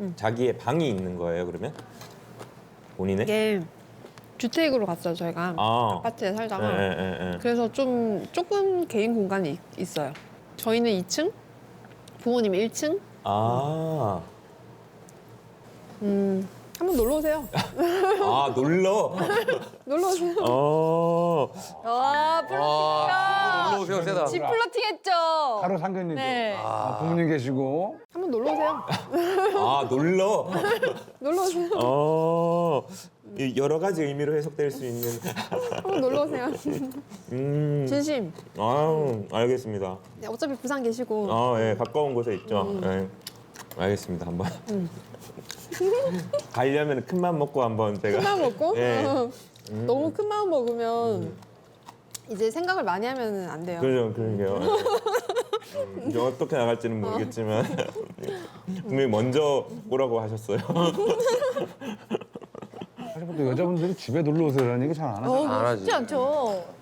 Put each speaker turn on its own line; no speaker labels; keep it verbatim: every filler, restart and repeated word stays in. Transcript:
음.
자기의 방이 있는 거예요, 그러면? 본인의?
이게 주택으로 갔어요, 저희가.
아.
아파트에 살다가.
예, 예, 예.
그래서 좀 조금 개인 공간이 있, 있어요. 저희는 이 층, 부모님 일 층.
아.
음, 한번 놀러 오세요.
아, 놀러?
놀러 오세요.
어.
와, 플러팅이다.
놀러 오세요, 세다.
집 플러팅했죠.
바로 상견례죠.
네.
아, 부모님 계시고.
한번 놀러 오세요.
아, 놀러?
놀러 오세요.
어. 이 여러 가지 의미로 해석될 수 있는.
한번 놀러 오세요.
음.
진심.
아유, 알겠습니다.
네, 어차피 부산 계시고.
아, 예, 가까운 곳에 있죠. 예. 알겠습니다, 한번. 가려면 큰 맘 먹고 한번 제가.
큰 마음 먹고.
예.
너무 큰 마음 먹으면 이제 생각을 많이 하면 안 돼요.
그죠, 그러게요. 음, 이제 어떻게 나갈지는 모르겠지만 분명히 먼저 오라고 하셨어요.
사실 보통 여자분들이 집에 놀러 오세요라는 얘기 잘 안 하죠.
어,
안 하지.
쉽지 않죠.